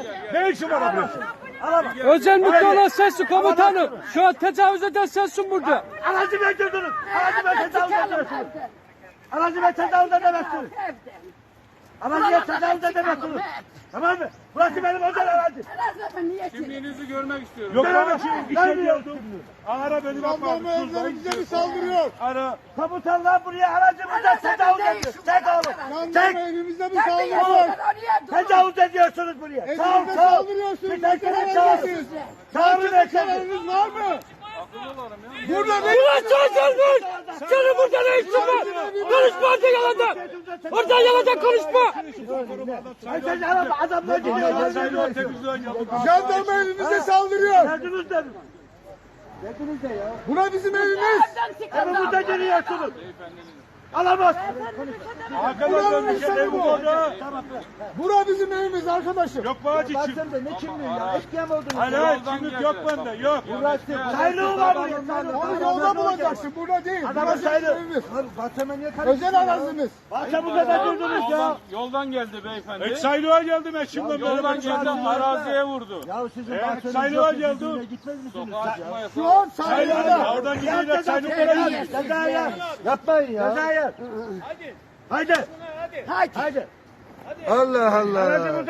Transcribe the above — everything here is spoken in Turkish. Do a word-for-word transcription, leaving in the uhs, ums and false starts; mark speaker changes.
Speaker 1: Ne işin var abi? Alamam.
Speaker 2: Özel mülkü olan sensin komutanım. Şu an tecavüz eden sensin burada.
Speaker 1: Aracı bekliyorsunuz. Aracı ben tecavüz ediyorsunuz. Aracı ben tecavüz edemezsiniz. Aracıya tecavüz edemezsiniz. Tamam mı? Burası benim özel aracım.
Speaker 3: Kimliğinizi görmek istiyorum.
Speaker 1: Yok ben bir şey diyordum.
Speaker 4: Ara benim
Speaker 1: Jandarma
Speaker 4: evlerimize mi saldırıyor?
Speaker 1: Ara. Komutanlar buraya aracımıza tecavüz ediyor. Çek oğlum. Çek.
Speaker 4: Jandarma evimize mi saldırıyor?
Speaker 1: Tecavüz ediyorsunuz buraya. Sağ ol
Speaker 4: Evimize
Speaker 1: sağ ol.
Speaker 4: saldırıyorsunuz.
Speaker 1: Bir
Speaker 4: Ne
Speaker 1: dakika
Speaker 4: kadar
Speaker 1: çağırın.
Speaker 4: öncesiniz?
Speaker 1: Çağırın efendim.
Speaker 4: Kararınız var mı?
Speaker 2: Burada ne? Ulan çözülmüş! Senin burada ne işin var? Konuşma orada yalandan! Oradan yalandan konuşma!
Speaker 1: Sen araba adamlar gidiyor.
Speaker 4: Jandarma evimize saldırıyor.
Speaker 1: Geldiniz de. Geldiniz de ya.
Speaker 4: Buna bizim evimiz.
Speaker 1: Evimizde geliyorsunuz. Alamaz.
Speaker 4: Buranın insanı bu. Bura bizim evimiz arkadaşım.
Speaker 1: Yok bağcı kim? Ne kimliği ya? Eşkıya mı oldunuz?
Speaker 4: Hayır hayır kimlik yok bende yok.
Speaker 1: Sayılı var mı?
Speaker 4: Onu yolda bulacaksın burada değil.
Speaker 1: Adamı
Speaker 4: Burası bizim
Speaker 1: saydı.
Speaker 4: evimiz.
Speaker 1: Bahçeme niye
Speaker 4: Özel arazimiz.
Speaker 1: Bahçemize de durdunuz ya.
Speaker 3: Yoldan, yoldan geldi beyefendi.
Speaker 4: Eksaylığa geldim eşimle
Speaker 3: Yoldan geldi araziye vurdu.
Speaker 1: Ya sizin
Speaker 4: Evet,
Speaker 1: bahçeniz
Speaker 4: sayılığa
Speaker 1: yok.
Speaker 4: geldi.
Speaker 1: Sizinle gitmez misiniz?
Speaker 3: Sokağa çıkma
Speaker 4: Şu
Speaker 3: yasağı.
Speaker 4: an sayılığa.
Speaker 1: Oradan gidiyorlar sayılığa. Ceza yer. Yapmayın ya. Ceza yer. Hadi. Haydi. Haydi. Haydi.
Speaker 4: Allah Allah.